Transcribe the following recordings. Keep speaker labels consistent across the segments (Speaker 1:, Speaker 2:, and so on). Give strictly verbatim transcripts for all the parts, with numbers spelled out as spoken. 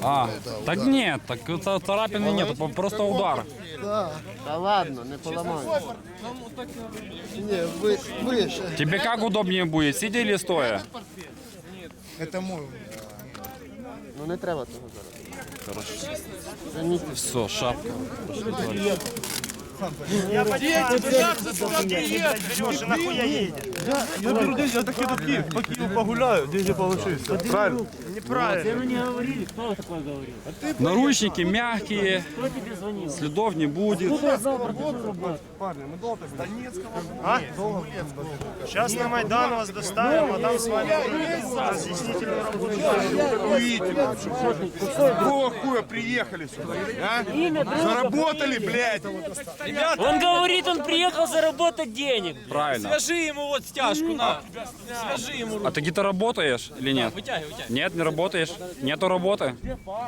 Speaker 1: А, так нет, так это царапины нет, просто удар.
Speaker 2: Да.
Speaker 3: Да ладно, не поламаю.
Speaker 2: Не, вы, выше.
Speaker 1: Тебе как удобнее будет, сидя или стоя?
Speaker 2: Это мой.
Speaker 3: Ну не треба того зараз.
Speaker 1: Хорошо. Все, шапка.
Speaker 4: Я подъедете, как за сюда приедешь, Леша, нахуя едешь?
Speaker 5: Я беру деньги, я так еду в Киев, по Киеву погуляю, деньги получишься. Правильно?
Speaker 4: Неправильно.
Speaker 6: не говорили, кто такое говорил?
Speaker 1: Наручники мягкие,
Speaker 6: Кто тебе звонил?
Speaker 1: следов не будет.
Speaker 6: Кто сказал про такую работу?
Speaker 5: Парни, мы долго
Speaker 4: А? Сейчас на Майдан вас доставим, а там с вами разъяснительную работу.
Speaker 5: Какого хуя приехали сюда, а?
Speaker 6: Имя, друга,
Speaker 5: Заработали, блядь!
Speaker 6: Он говорит, он приехал заработать денег.
Speaker 1: Правильно.
Speaker 7: Свяжи ему вот стяжку, на. Свяжи ему руку.
Speaker 1: А ты где-то работаешь или нет?
Speaker 7: Вытягивай, вытягивай.
Speaker 1: Нет, не работаешь? Нету работы?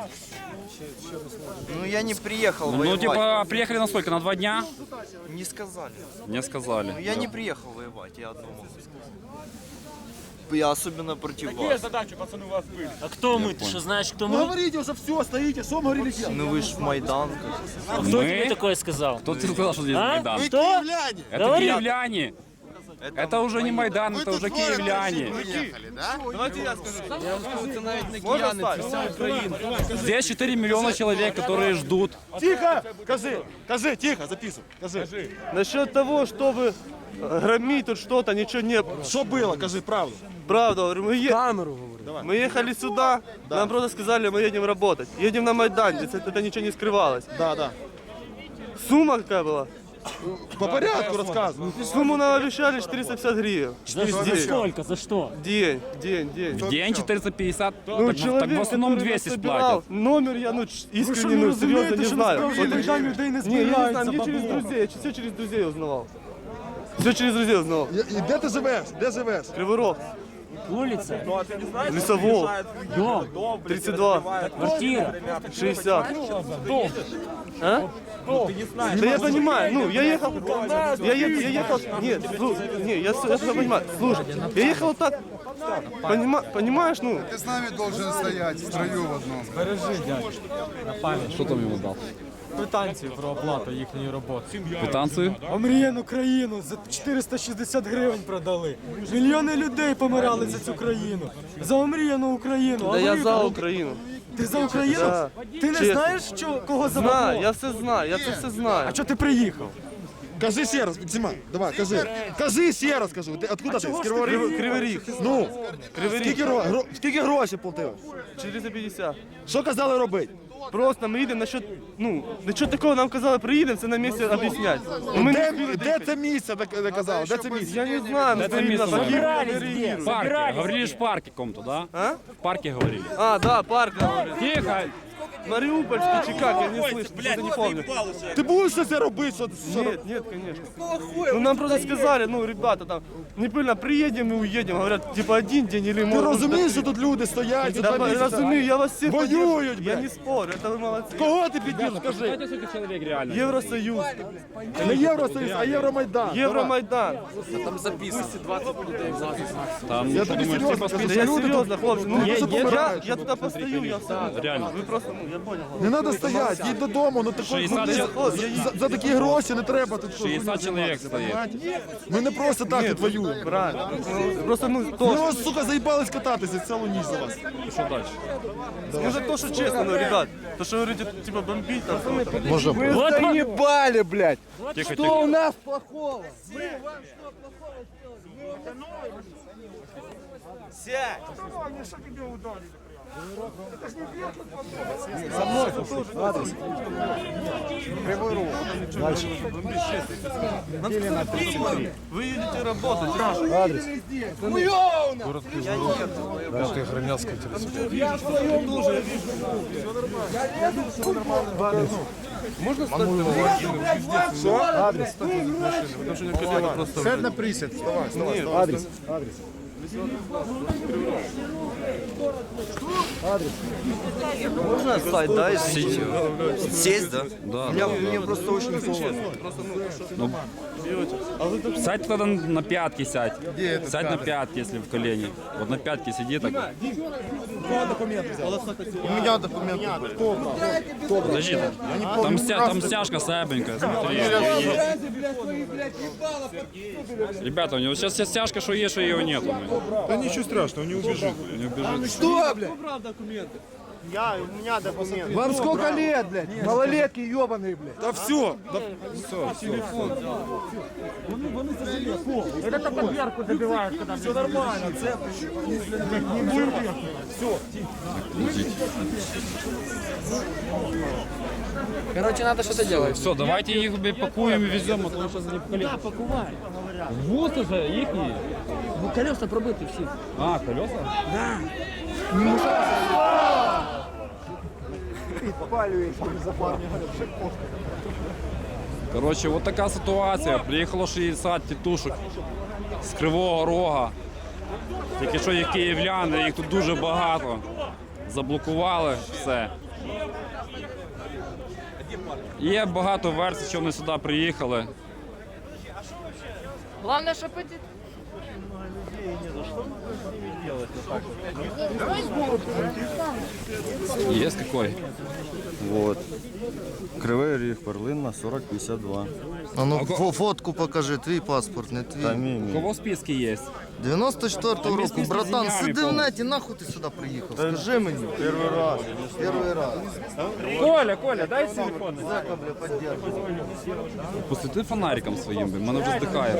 Speaker 8: Ну я не приехал
Speaker 1: Ну
Speaker 8: воевать.
Speaker 1: типа приехали на сколько? На два дня?
Speaker 8: Не сказали.
Speaker 1: Не
Speaker 8: Ну
Speaker 1: сказали.
Speaker 8: я не приехал воевать, я одно могу сказать. Я особенно против
Speaker 7: Какие
Speaker 8: вас.
Speaker 7: задачи, пацаны, у вас были?
Speaker 6: А кто мы? Ты что, знаешь, кто мы?
Speaker 2: Говорите уже все, стоите, что мы говорили?
Speaker 8: Ну вы ж в Майдан.
Speaker 6: Кто
Speaker 1: Мы?
Speaker 6: тебе такое сказал?
Speaker 1: Кто тебе сказал, что здесь
Speaker 6: А?
Speaker 1: Майдан?
Speaker 6: Что?
Speaker 1: Это
Speaker 6: Говори.
Speaker 1: киевляне. Это уже не Майдан, это уже киевляне.
Speaker 5: Давайте я скажу.
Speaker 7: Це навіть не
Speaker 5: Можно
Speaker 7: кияни, це
Speaker 5: ставить?
Speaker 7: вся Україна.
Speaker 1: Здесь четыре миллиона человек, которые ждут.
Speaker 5: Тихо! Кажи, кажи, тихо, записывай. Кажи. Насчет того, чтобы громить тут что-то, ничего не было. Что было, кажи правду. Правда, говорю, мы, е... мы ехали сюда, нам просто сказали, мы едем работать. Едем на Майдан, здесь это, это ничего не скрывалось.
Speaker 2: Да, да.
Speaker 5: Сумма какая была?
Speaker 2: По порядку рассказывай.
Speaker 5: Сумму нам обещали четыреста пятьдесят гривен.
Speaker 6: За, за сколько? За что?
Speaker 5: День, день, день.
Speaker 1: В день четыреста пятьдесят,
Speaker 5: Ну,
Speaker 1: так,
Speaker 5: человек,
Speaker 1: так в основном
Speaker 5: который
Speaker 1: двести
Speaker 5: нас собирал,
Speaker 1: сплатят.
Speaker 5: номер я ну, ч- искренне, ну, серьезно не знаю. Вот, не, я не знаю, мне через друзей, я все через друзей узнавал. Все через друзей узнавал.
Speaker 2: І де ти живеш? Де живеш?
Speaker 5: Кривой Рог,
Speaker 6: Улица,
Speaker 5: Лесовол,
Speaker 6: дом,
Speaker 5: тридцать два,
Speaker 6: квартира.
Speaker 5: шестьдесят. А? Да я понимаю, ну, я ехал, я, е- я ехал, нет, слу- не, я, с- я все понимаю, слушай, я ехал так, понима, понимаешь, ну,
Speaker 2: Ти з нами должен стояти в строю в одному.
Speaker 1: Что там ему дал?
Speaker 9: Квитанцію про оплату їхньої роботи.
Speaker 1: Квитанцию?
Speaker 9: Омріяну країну за чотириста шістдесят гривень продали. Мільйони людей помирали за цю країну. За омріяну Україну.
Speaker 5: да
Speaker 9: А
Speaker 5: я
Speaker 9: ви-
Speaker 5: за Україну.
Speaker 9: Ти за Україну?
Speaker 5: Да.
Speaker 9: Ти не
Speaker 5: Чесно.
Speaker 9: знаєш, що, кого
Speaker 5: Знаю,
Speaker 9: забрало?
Speaker 5: я все знаю, я це все знаю.
Speaker 9: А чого ти приїхав?
Speaker 2: Кажи ще раз, Максима, давай, кажи. Кажи ще раз, кажу. Ти откуда ти? З Кривого Рогу?
Speaker 5: Кривий, Кривий Ріг,
Speaker 2: Ну,
Speaker 5: Кривий
Speaker 2: скільки,
Speaker 5: Ріг,
Speaker 2: гро... гро- скільки грошей платив?
Speaker 5: чотириста п'ятдесят.
Speaker 2: Що казали робити?
Speaker 5: Просто ми їдемо насчет, ну, нічого такого нам казали, приїдемо, це на місці об'ясняти. Ну, ми
Speaker 2: Де,
Speaker 5: не
Speaker 2: де це місце, де, де казали? Де це місце?
Speaker 5: Я не знаю, ми
Speaker 1: Это
Speaker 5: стоїмо
Speaker 1: место
Speaker 5: на Київ,
Speaker 6: Собирались
Speaker 5: не
Speaker 6: где?
Speaker 5: реагуємо.
Speaker 1: В парке.
Speaker 6: Собирались.
Speaker 1: Говорили ж в парке каком-то, да?
Speaker 5: А?
Speaker 1: В парке говорили.
Speaker 5: А, да, парк, говорит.
Speaker 1: Тихо!
Speaker 5: Мариупольский чи как, я не слышу, что-то не помню.
Speaker 2: Ти будеш щось робити? Що, що...
Speaker 5: Нет, нет, конечно. Ну нам просто сказали, ну, ребята, там, не пыльно, приедем и уедем, говорят, типа один день или
Speaker 2: Ти
Speaker 5: может...
Speaker 2: розумієш, що тут люди стоять за
Speaker 5: Да,
Speaker 2: два місяці?
Speaker 5: разумею, я вас всех
Speaker 2: Воюют,
Speaker 5: поддерживаю. Я
Speaker 2: блядь.
Speaker 5: не спорю, это вы молодцы.
Speaker 2: Кого ти піддержиш, скажи?
Speaker 1: Знаете, сколько человек реально?
Speaker 5: Евросоюз,
Speaker 2: Не Євросоюз, а Євромайдан.
Speaker 5: Евромайдан.
Speaker 1: Там,
Speaker 2: Я
Speaker 1: что
Speaker 2: тобі
Speaker 1: думаешь,
Speaker 2: серйозно
Speaker 1: типа,
Speaker 2: скажу,
Speaker 5: Да
Speaker 2: що
Speaker 5: я
Speaker 2: люди
Speaker 5: серьезно,
Speaker 2: тут...
Speaker 5: хлопцы, ну,
Speaker 2: Люди
Speaker 5: я,
Speaker 2: тут
Speaker 5: я,
Speaker 2: помирають.
Speaker 5: я туда постою, я сам.
Speaker 1: реально.
Speaker 5: Вы просто, ну, я понял.
Speaker 2: Не треба стояти, їдь додому, ну такої, ну,
Speaker 1: шестьдесят
Speaker 2: ти-
Speaker 5: чоловік.
Speaker 2: за, за такі гроші не треба тут що,
Speaker 1: шестьдесят человек стоит.
Speaker 2: Ми не просто так тут воюємо.
Speaker 5: Правильно. Ну, просто, ну,
Speaker 2: Ми
Speaker 5: то,
Speaker 2: ось, сука, заїбались кататися цілу ніч за вас.
Speaker 1: Что дальше?
Speaker 5: ну, за то, что честно, ну, ребят, то, что вы говорите, типа, бомбить там, что-то.
Speaker 6: Вот,
Speaker 2: Заебали, блядь!
Speaker 1: Тихо, тихо.
Speaker 2: у нас плохого?
Speaker 5: Вы едете работать.
Speaker 2: Сядь на присід, вставай, вставай.
Speaker 5: Нет, адрес, адрес.
Speaker 8: Можно сайт, да, из сети? Сесть, да?
Speaker 1: Да,
Speaker 8: Меня,
Speaker 1: да,
Speaker 8: мне просто очень холодно.
Speaker 1: Сядь тогда на пятки, сядь. Сядь на пятки, если в колени. Вот на пятки сиди так.
Speaker 3: У меня документы были.
Speaker 1: Подожди, там, там, стя- там стяжка слабенькая, смотри. Ребята, у него сейчас вся стяжка, что есть, что ее нету.
Speaker 2: Да ничего страшного, не убежит.
Speaker 1: Не убежит.
Speaker 3: Что, блядь?
Speaker 4: Я, у меня документы.
Speaker 3: Вам сколько лет, блядь? Малолетки ебаные, блядь.
Speaker 2: Да все, да
Speaker 7: Короче, надо что-то делать.
Speaker 1: Все, давайте их пакуем и везем, а то сейчас они поколеют.
Speaker 6: Да, покувай.
Speaker 1: Вот уже, их.
Speaker 6: Ну, колеса пробиті всі.
Speaker 1: А, колеса? Короче, вот така ситуація. Приїхало шістдесят тітушок з Кривого Рога. Тільки що є київляни, їх тут дуже багато. Заблокували все. Є багато версій, що вони сюди приїхали.
Speaker 6: Главное, щоб эти...
Speaker 1: Є какой?
Speaker 8: Вот. Кривий Ріг, перлина сорок пятьдесят два.
Speaker 3: А ну фо- фотку покажи, твій паспорт, не твій.
Speaker 1: У кого списки є?
Speaker 3: дев'яносто четвертого року,
Speaker 1: місяць
Speaker 3: братан,
Speaker 1: з деньгами
Speaker 3: сиди в
Speaker 1: повно.
Speaker 3: неті, нахуй ти сюди приїхав? Скажи мені. Перший раз. Перший раз.
Speaker 1: Коля, Коля, дай телефон.
Speaker 3: Зека, бля, поддерживай.
Speaker 1: Посвіти фонариком своїм, блін, мене вже здихає.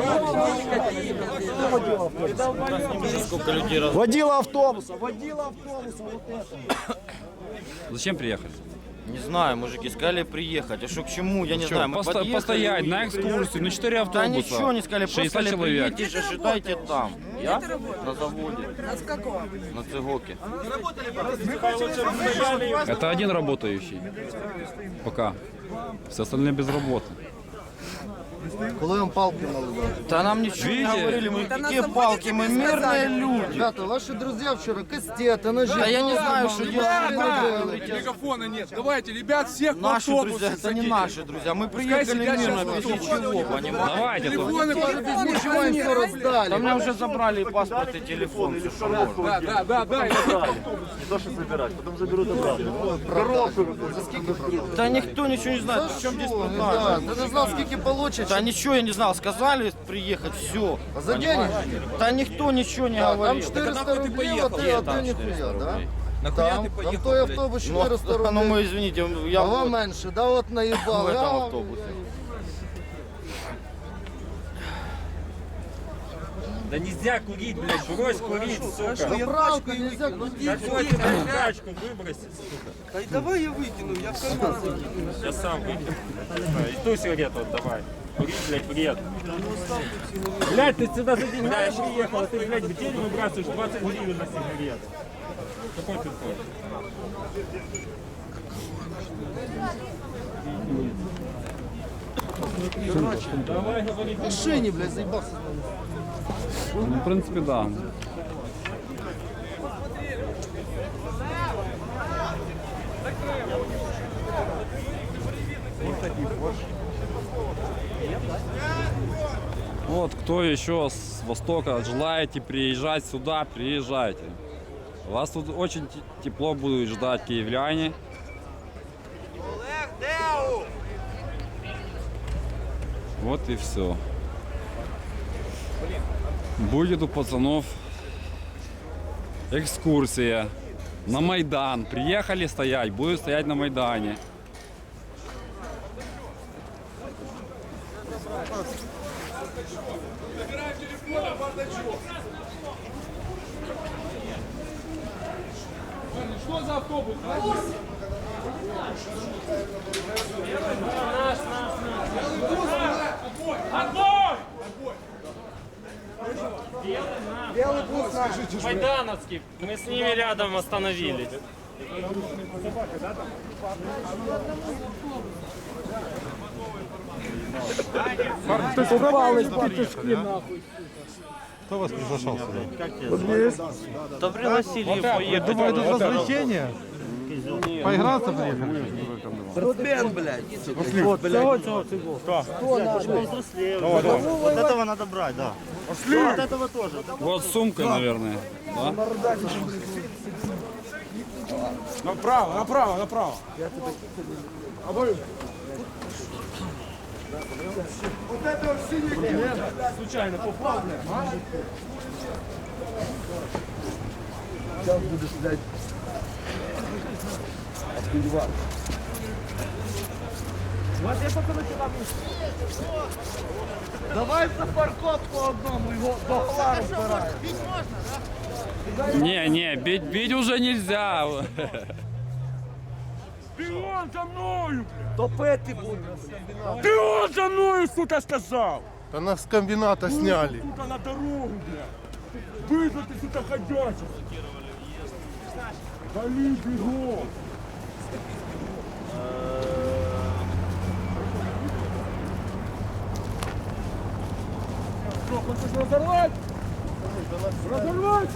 Speaker 3: Водила автобуса, водила автобуса, вот это.
Speaker 1: Зачем приїхали?
Speaker 8: Не знаю, мужики, сказали приехать. А что к чему, я не знаю. Мы
Speaker 1: Посто-
Speaker 8: подъехали,
Speaker 1: постоять на
Speaker 8: уехали.
Speaker 1: экскурсию, на четыре
Speaker 8: Да
Speaker 1: автобуса.
Speaker 8: ничего не сказали, просто
Speaker 1: шестьдесят
Speaker 8: сказали,
Speaker 1: человек.
Speaker 8: приедете, ожидайте там. Я? На заводе. На Цигоке.
Speaker 1: Это один работающий. Пока. Все остальные без работы.
Speaker 3: Коли вам палки мали дати?
Speaker 8: Да нам ничего не
Speaker 1: Видите?
Speaker 8: говорили, мы какие палки, мы мирные люди.
Speaker 3: Ребята, ваши друзья вчера кастеты, ножи.
Speaker 8: Да я не знаю, что делать.
Speaker 7: Мегафона нет. Давайте, ребят, всех в
Speaker 8: Наши
Speaker 7: автобусы
Speaker 8: друзья, это не
Speaker 7: садите.
Speaker 8: наши друзья. Мы приехали
Speaker 7: сидят
Speaker 8: мирно,
Speaker 7: сейчас
Speaker 8: без ничего, понимаете?
Speaker 1: Давайте тут.
Speaker 3: Ничего им все раздали.
Speaker 8: Да мне уже забрали и паспорт, и телефон, все, что можно.
Speaker 7: Да, да, да, да.
Speaker 8: Да никто ничего не знает, в чем здесь
Speaker 3: Да,
Speaker 8: проблема.
Speaker 3: ты не знал, сколько получишь.
Speaker 8: Да ничего я не знал, сказали приехать, все.
Speaker 3: А за денег?
Speaker 8: Да никто ничего не
Speaker 3: Там
Speaker 8: говорил.
Speaker 3: четыреста рублей, а ты, а ты нихуя, да?
Speaker 7: Нахуя
Speaker 3: Там,
Speaker 7: ты
Speaker 3: там
Speaker 7: поехал,
Speaker 3: той
Speaker 7: блядь?
Speaker 3: автобус
Speaker 8: Ну,
Speaker 3: четыреста
Speaker 8: ну мы,
Speaker 3: рублей.
Speaker 8: извините, я
Speaker 3: А вам
Speaker 8: в
Speaker 3: менше, да от наїбали.
Speaker 8: этом
Speaker 3: А,
Speaker 8: автобусе.
Speaker 6: Да нельзя курить, блядь, брось курить, сука.
Speaker 3: Заправка нельзя купить.
Speaker 6: Тачку выбросить, сука.
Speaker 7: Давай я выкину, я в карман.
Speaker 6: Я сам выкину. И ту сигарету отдавай. Курить, блядь, вред. Блядь, ты сюда за деньгами приехал, а ты, блядь, в день выбрасываешь двадцать гривен на сигарет. Какой ты такой? Давай, говори.
Speaker 3: В машине, блядь, заебался.
Speaker 1: Ну, в принципе, да. Вот, кто еще с востока желаете приезжать сюда, приезжайте. Вас тут очень те- тепло будут ждать киевляне. Вот и все. Будет у пацанов экскурсия на Майдан. Приехали стоять, будут стоять на Майдане.
Speaker 7: Что за автобус?
Speaker 6: Майдановский. Мы с ними рядом остановились.
Speaker 5: Кто вас приглашал сюда?
Speaker 6: Да пригласили и поехали.
Speaker 5: Думаю, тут развлечение. Поиграться приехали?
Speaker 8: Рудмен, блядь.
Speaker 6: Вот, блядь.
Speaker 4: Вот этого надо брать, да. Вот этого тоже.
Speaker 1: Вот сумка, наверное. Да?
Speaker 7: Направо, направо, направо.
Speaker 6: Случайно попал, блядь.
Speaker 8: Сейчас будешь, блядь. Отпиливать. Давай за паркот по одному, его до гола разбираем.
Speaker 1: Не, не, бить, бить уже нельзя.
Speaker 6: Ты он за мною, блядь.
Speaker 8: Топити буде.
Speaker 6: Ты он за мною, сука, сказал.
Speaker 5: Да нас с комбината сняли.
Speaker 6: Сука, на дорогу, блядь. Вызвал ты, сука, ходячий. Вали, бегом. Что, хочешь разорвать? Разорвать!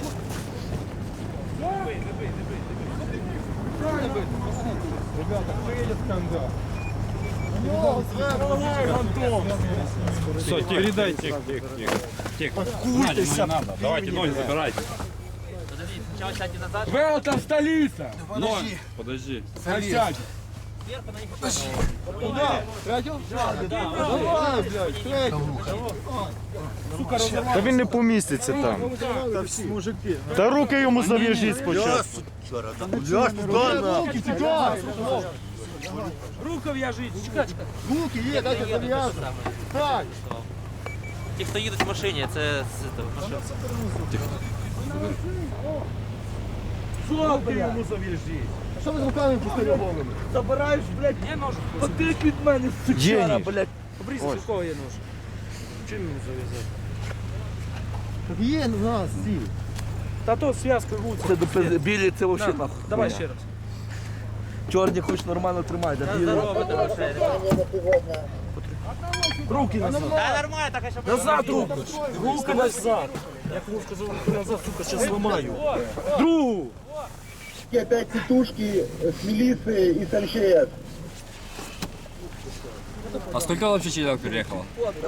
Speaker 1: Все, тихо, передайте. Тихо, тихо, тихо. Тихо. Надо, не надо. Давайте ноги забирайте.
Speaker 6: Велтон, столица!
Speaker 1: Ноги. Подожди.
Speaker 6: Сядь!
Speaker 5: Та він не поміститься там. Та руки йому зав'яжіть спочатку.
Speaker 6: Руку в'яжіть, чекай, чекай.
Speaker 2: Руки є, дайте зав'язати. Так.
Speaker 10: Ті, хто їдуть в машині, це з того, машини.
Speaker 6: Руки йому зав'яжіть.
Speaker 2: Що ви з руками пустили головами?
Speaker 6: Забираєш, блядь, потик від мене, сучара, блядь. Обрізь,
Speaker 5: Ось.
Speaker 6: у кого є нож? Чим мені зав'язати?
Speaker 2: Є у нас ці.
Speaker 6: Та то зв'язка гуця.
Speaker 8: Це до білі, це взагалі нахуй.
Speaker 6: Давай ще раз.
Speaker 8: Чорні хоч нормально тримати, а білі...
Speaker 6: Руки назад.
Speaker 10: Та нормально, так, щоб...
Speaker 6: Назад руки. Руки назад. Я кому сказав, руки назад, сука, сейчас зламаю. Другу.
Speaker 2: Опять тітушки з міліції і з ем че ес.
Speaker 1: А сколько вообще человек переехало?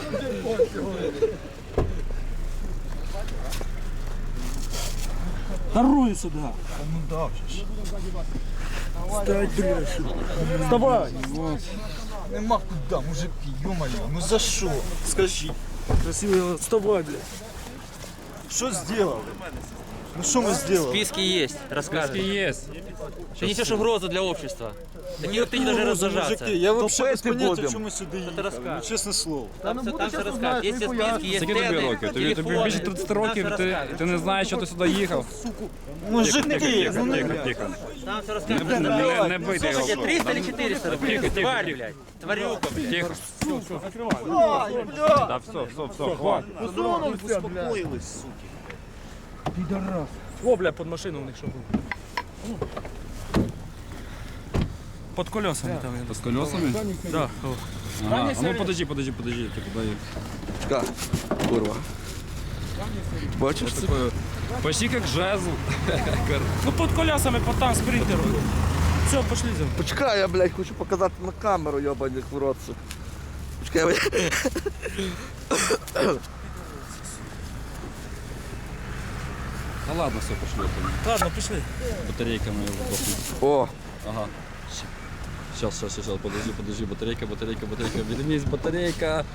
Speaker 6: Вторую сюда. Встать, блядь. Вставай.
Speaker 7: Нема куда, мужики, ё-моё, ну за что? Скажи.
Speaker 6: Красиво, вставай, блядь.
Speaker 7: Что сделали? Ну что мы сделали?
Speaker 10: Списки есть,
Speaker 1: Списки
Speaker 10: расскажешь.
Speaker 1: есть.
Speaker 10: Ты несешь угрозу для общества. Такие ты не должны раздражаться.
Speaker 7: Мужики, я вообще без
Speaker 8: Топити
Speaker 7: понятия,
Speaker 8: будем.
Speaker 7: что мы сюда едем.
Speaker 10: расскажешь.
Speaker 7: Ну, честное слово.
Speaker 10: Там все, там все розкажуть. Є всі списки, є
Speaker 1: Скільки тобі
Speaker 10: тени,
Speaker 1: років? Тобі, тобі
Speaker 10: телефони.
Speaker 1: більше тридцять років,
Speaker 10: Там
Speaker 1: ти,
Speaker 10: все
Speaker 1: ти не знаєш, що ти сюди їхав.
Speaker 7: Мужики,
Speaker 1: Тихо, тихо,
Speaker 7: ну,
Speaker 1: тихо,
Speaker 7: блядь.
Speaker 1: тихо.
Speaker 10: Там все
Speaker 1: Не,
Speaker 10: розкажуть.
Speaker 1: не, не бийте його.
Speaker 10: Слушайте, триста или четыреста рублей?
Speaker 1: Тихо, тихо,
Speaker 10: Тварь,
Speaker 1: тихо.
Speaker 10: блядь. Тварюка, блядь.
Speaker 1: Тихо. Да, все, все, все, хватит.
Speaker 7: Успокоились, суки.
Speaker 6: О, бля, под машину у них що було. Под колесами там.
Speaker 1: С колесами?
Speaker 6: Да.
Speaker 1: Ага. А ну подожди, подожди, подожди. Ты куда их?
Speaker 8: Чекай, курва. Бачиш це?
Speaker 1: Такое, почти как жезл.
Speaker 6: Ну под колесами, под там спринтером. Все, пошли за мной.
Speaker 8: Почекай, я, блядь, хочу показати на камеру, йобаних в рот, сука. Почекай, блядь.
Speaker 1: Ну ладно, все, пошли.
Speaker 6: Ладно, пішли.
Speaker 1: Батарейка моя сдохнет.
Speaker 8: О,
Speaker 1: Ага. Сейчас, сейчас, сейчас, подожди, подожди, батарейка, батарейка, батарейка, вернись, батарейка.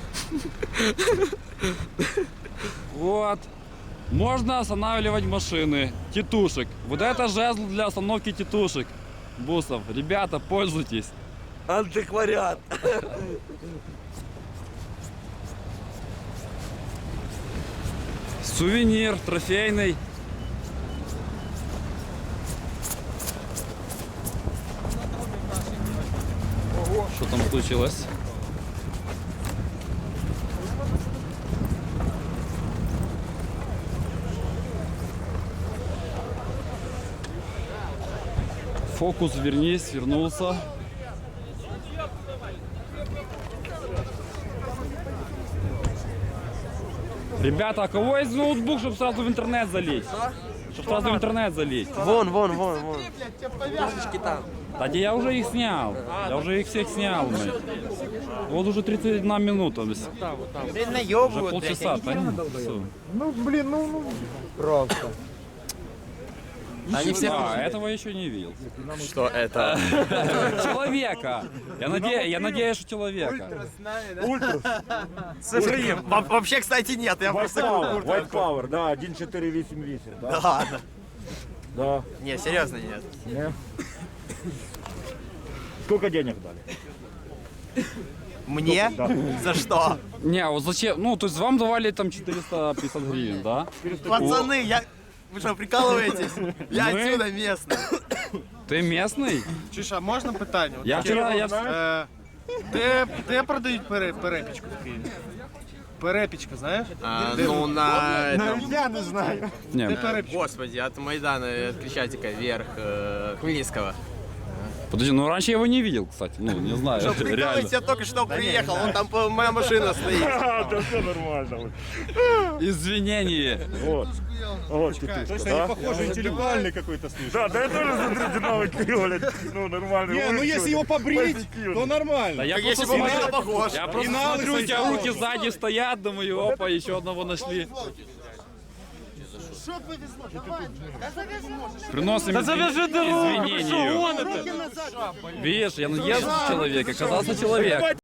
Speaker 1: Вот. Можно останавливать машины, тетушек. Вот это жезл для остановки тетушек. Бусов, ребята, пользуйтесь.
Speaker 8: антикваріат.
Speaker 1: Сувенир трофейный. Что там случилось? Фокус, вернись, вернулся. Ребята, а кого есть ноутбук, чтобы сразу в интернет залить? Чтобы сразу в интернет залить.
Speaker 3: Вон, вон, вон, вон.
Speaker 1: Да где я уже их снял. Я уже их всех снял. блядь. Вот уже тридцать одна минута. блядь. Уже полчаса. Да нет, всё.
Speaker 7: Ну, блин, ну, ну. Просто.
Speaker 1: Они все... А, этого я еще не видел.
Speaker 8: Что это?
Speaker 1: Человека. Я, наде... я надеюсь, что человека.
Speaker 8: Цифры. Вообще, кстати, нет. Я просто...
Speaker 6: White Power, да, один четыре восемь восемь.
Speaker 8: Да ладно.
Speaker 6: Да.
Speaker 8: Не, серьезно нет.
Speaker 6: Не. Сколько денег дали?
Speaker 8: Мне? За что?
Speaker 1: Не, а вот зачем? Ну, то есть вам давали там четыреста пятьдесят гривен, да?
Speaker 8: Пацаны, я... Вы что, прикалываетесь? Я
Speaker 1: Мы?
Speaker 8: отсюда местный.
Speaker 1: Ты местный?
Speaker 5: Чуєш, а можна питання? От
Speaker 1: Я
Speaker 5: таке,
Speaker 1: вчора... Я...
Speaker 5: Е, де, де продають пере, перепічку в Києві? Перепічка, знаєш?
Speaker 8: А, ну, на... этом-
Speaker 4: Я не знаю.
Speaker 1: Не,
Speaker 5: Де перепічка?
Speaker 8: Господи, от Майдана, от Крещатика вверх, э, Хмельницкого.
Speaker 1: подожди, ну раньше я его не видел, кстати. Ну, не знаю,
Speaker 8: Что,
Speaker 1: реально.
Speaker 8: прикалываетесь, я только что приехал, вон там по- моя машина стоит.
Speaker 6: А, да все нормально.
Speaker 1: Извинения.
Speaker 6: Вот. Вот тетушка, да?
Speaker 4: Похоже, интеллектуальный какой-то слушай.
Speaker 6: Да, да я тоже смотрю, динамик, блядь, ну нормально.
Speaker 4: Не, ну если его побрить, то нормально.
Speaker 1: Да я
Speaker 8: Так
Speaker 1: просто
Speaker 8: если бы
Speaker 1: смотрю,
Speaker 8: был похож.
Speaker 1: я просто
Speaker 4: И на
Speaker 1: смотрю, у
Speaker 4: лысый
Speaker 1: тебя
Speaker 4: стал.
Speaker 1: руки сзади стоят, думаю, опа, еще одного нашли. Приносим
Speaker 5: Та завяжи дорогу,
Speaker 1: извинения. Видишь, я наезжу человека, оказался человек.